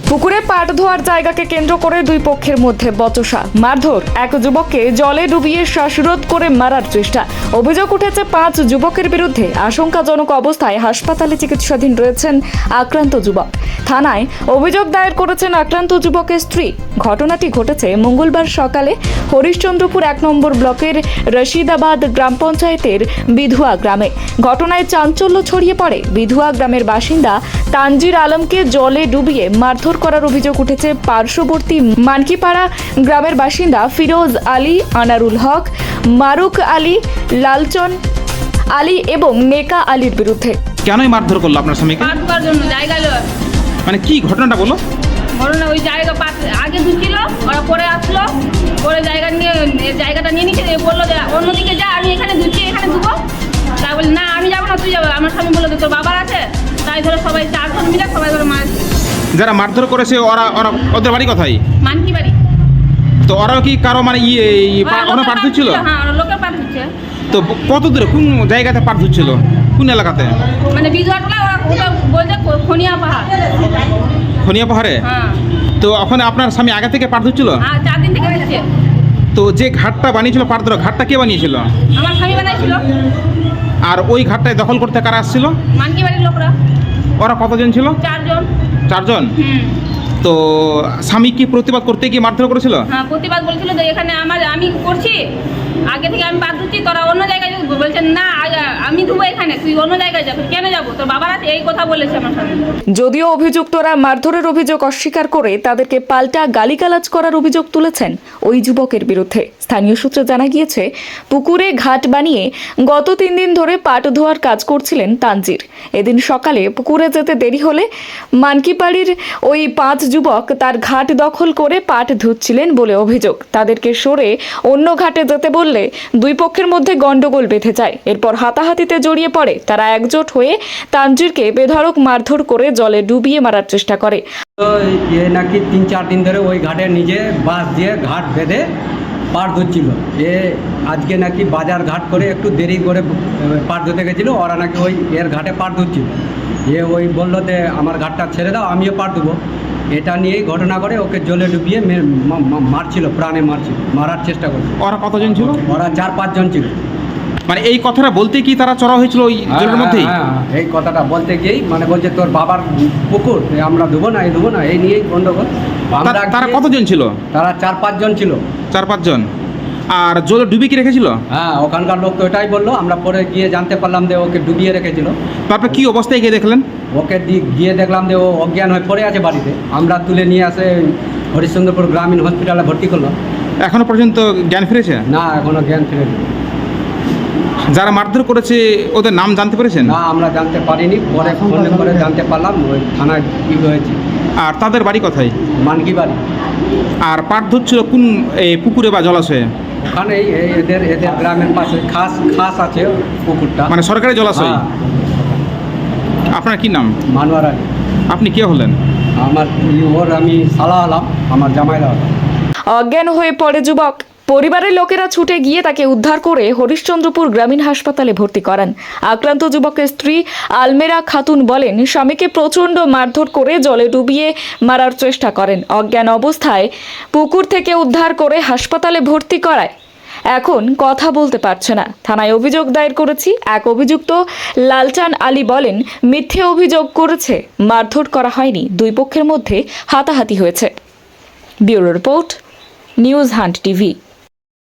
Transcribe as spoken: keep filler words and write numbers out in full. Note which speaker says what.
Speaker 1: পুকুরে পাট ধোয়ার জায়গাকে কেন্দ্র করে দুই পক্ষের মধ্যে বচসা, মারধর, এক যুবককে জলে ডুবিয়ে শ্বাসরোধ করে মারার চেষ্টা। অভিযোগ উঠেছে পাঁচ যুবকের বিরুদ্ধে। আশঙ্কাজনক অবস্থায় হাসপাতালে চিকিৎসাধীন রয়েছেন আক্রান্ত যুবক। থানায় অভিযোগ দায়ের করেছেন আক্রান্ত যুবকের স্ত্রী। ঘটনাটি ঘটেছে মঙ্গলবার সকালে হরিশ্চন্দ্রপুর এক নম্বর ব্লকের রশিদাবাদ গ্রাম পঞ্চায়েতের বিধুয়া গ্রামে। ঘটনায় চাঞ্চল্য ছড়িয়ে পড়ে। বিধুয়া গ্রামের বাসিন্দা তানজির আলমকে জলে ডুবিয়ে মারধর করার অভিযোগ উঠেছে পার্শ্ববর্তী মানকিপাড়া গ্রামের বাসিন্দা ফিরোজ আলী, আনারুল হক, মারুক আলী, লালচন আলী এবং নেকা আলীর বিরুদ্ধে।
Speaker 2: কেনই মারধর করলো আপনার স্বামীকে?
Speaker 3: পাট ধোয়ার জন্য জায়গা লয়।
Speaker 2: মানে কি ঘটনাটা বলো?
Speaker 3: ঘটনা ওই জায়গা পাট আগে ধুচ্ছিল, ওরা পরে আসলো, পরে জায়গা নিয়ে জায়গাটা নিয়ে নিচ্ছে, বললো যে অন্যদিকে যা, আমি এখানে ধুচ্ছি, এখানে ধুবো। তাই বলি না, আমি যাবো না, তুই যাবো। আমার স্বামী বললো তোর বাবার আছে, তাই ধরে সবাই চারজন মিলে সবাই ধরে মারছে।
Speaker 2: যারা মারধর করেছে ওরা ওরা ওদের বাড়ি কোথায়?
Speaker 3: মানকি বাড়ি।
Speaker 2: তো ওরাও কি কারো মানে ইয়ে ওখানে পাট ধুচ্ছিল?
Speaker 3: হ্যাঁ, লোকের পাট ধুচ্ছে।
Speaker 2: তো কত দূরে কোন জায়গাতে পাট ধুচ্ছিল? কোন এলাকাতে?
Speaker 3: মানে বিজুয়াটলা, ওরা ওটা বলছে খনিয়া পাহাড়।
Speaker 2: খনিয়া পাহাড়ে?
Speaker 3: হ্যাঁ।
Speaker 2: তো ওখানে আপনার স্বামী আগে থেকে পাট ধুচ্ছিল?
Speaker 3: হ্যাঁ, চার দিন থেকে দিচ্ছে।
Speaker 2: তো যে ঘাটটা বানিয়েছিল পাট ধরা, ঘাটটা কে বানিয়েছিল?
Speaker 3: আমার স্বামী বানাইছিল।
Speaker 2: আর ওই ঘাটটায় দখল করতে কারা আসছিল?
Speaker 3: মানকি বাড়ির লোকরা।
Speaker 2: ওরা কতজন ছিল?
Speaker 3: চারজন।
Speaker 2: চারজন?
Speaker 3: হুম।
Speaker 2: তো স্বামী কি প্রতিবাদ করতে গিয়ে মারধর করেছিল?
Speaker 3: হ্যাঁ, প্রতিবাদ বলছিল যে এখানে আমার আমি করছি, আগে থেকে আমি বাদ দিচ্ছি, তোরা অন্য জায়গায় যাবো। বলছেন না, আমি ধুবো এখানে, তুই অন্য জায়গায় যাবো। কেন যাবো? তোর বাবার আছে, এই কথা বলেছে আমার সাথে।
Speaker 1: যদিও অভিযুক্তরা মারধরের অভিযোগ অস্বীকার করে তাদেরকে পাল্টা গালিগালাজ করার অভিযোগ তুলেছেন ওই যুবকের বিরুদ্ধে। স্থানীয় সূত্রে জানা গিয়েছে, পুকুরে ঘাট বানিয়ে গত তিন দিন ধরে পাট ধোয়ার কাজ করছিলেন তানজির। এদিন সকালে পুকুরে যেতে দেরি হলে মানকিপাড়ির ওই পাঁচ যুবক তার ঘাট দখল করে পাট ধুচ্ছিলেন বলে অভিযোগ। তাদেরকে সরে অন্য ঘাটে যেতে বললে দুই পক্ষের মধ্যে গন্ডগোল বেঁধে যায়। এরপর হাতাহাতিতে জড়িয়ে পড়ে তারা। একজোট হয়ে তানজিরকে বেধড়ক মারধর করে জলে ডুবিয়ে মারার চেষ্টা করে।
Speaker 4: তো এ নাকি তিন চার দিন ধরে ওই ঘাটে নিজে বাঁশ দিয়ে ঘাট বেঁধে পাট ধুচ্ছিল। এ আজকে নাকি বাজার ঘাট করে একটু দেরি করে পাট ধুতে গেছিলো। ওরা নাকি ওই এর ঘাটে পাট ধুচ্ছিল। এ ওই বললো যে আমার ঘাটটা ছেড়ে দাও, আমিও পাট দেবো। এটা নিয়েই ঘটনা করে ওকে জলে ডুবিয়ে মারছিল, প্রাণে মারছিল, মারার চেষ্টা করছিল।
Speaker 2: ওরা কতজন ছিল?
Speaker 4: ওরা চার পাঁচজন ছিল।
Speaker 2: মানে এই কথাটা বলতে কি তারা চড়া হয়েছিল ওই জলের মধ্যেই?
Speaker 4: হ্যাঁ, এই কথাটা বলতে গিয়েই মানে বলছে তোর বাবার পুকুর, আমরা দেবো না, এই দেবো না, এই নিয়েই গন্ডগোল। আমরা
Speaker 2: তারা কতজন ছিল?
Speaker 4: তারা চার পাঁচজন ছিল।
Speaker 2: চার পাঁচজন। আর জলে ডুবি কি রেখেছিল?
Speaker 4: হ্যাঁ, ওখানকার লোক তো এটাই বললো। আমরা পরে গিয়ে জানতে পারলাম যে ওকে ডুবিয়ে রেখেছিল।
Speaker 2: তারপর কি অবস্থায় গিয়ে দেখলেন?
Speaker 4: ওকে গিয়ে দেখলাম যে ও অজ্ঞান হয়ে পড়ে আছে বাড়িতে। আমরা তুলে নিয়ে আসে হরিশ্চন্দ্রপুর গ্রামীণ হসপিটালে ভর্তি করলাম।
Speaker 2: এখনো পর্যন্ত জ্ঞান ফিরেছে?
Speaker 4: না, এখনো জ্ঞান ফিরেনি।
Speaker 2: যারা মারধর করেছে ওদের নাম জানতে পেরেছেন?
Speaker 4: না, আমরা জানতে পারিনি। পরে ফোন করে জানতে পারলাম ওই থানায় কী হয়েছে।
Speaker 2: আর তাদের বাড়ি কোথায়?
Speaker 4: মানকি বাড়ি।
Speaker 2: আর পাট ধরছিল কোন এই পুকুরে বা জলাশয়ে?
Speaker 4: ওখানেই এদের এদের গ্রামের পাশে খাস খাস আছে পুকুরটা,
Speaker 2: মানে সরকারি জলাশয়।
Speaker 4: হ্যাঁ।
Speaker 2: আপনার কি নাম?
Speaker 4: মানোয়ার আলী।
Speaker 2: আপনি কে হলেন?
Speaker 4: আমার ওর আমি সালা আলাম, আমার জামাইরা হলাম।
Speaker 1: অজ্ঞান হয়ে পড়ে যুবক। পরিবারের লোকেরা ছুটে গিয়ে তাকে উদ্ধার করে হরিশ্চন্দ্রপুর গ্রামীণ হাসপাতালে ভর্তি করান। আক্রান্ত যুবকের স্ত্রী আলমেরা খাতুন বলেন, স্বামীকে প্রচণ্ড মারধর করে জলে ডুবিয়ে মারার চেষ্টা করেন। অজ্ঞান অবস্থায় পুকুর থেকে উদ্ধার করে হাসপাতালে ভর্তি করায়। এখন কথা বলতে পারছে না। থানায় অভিযোগ দায়ের করেছি। এক অভিযুক্ত লালচান আলী বলেন, মিথ্যে অভিযোগ করেছে, মারধর করা হয়নি, দুই পক্ষের মধ্যে হাতাহাতি হয়েছে। Bureau report, news hunt TV.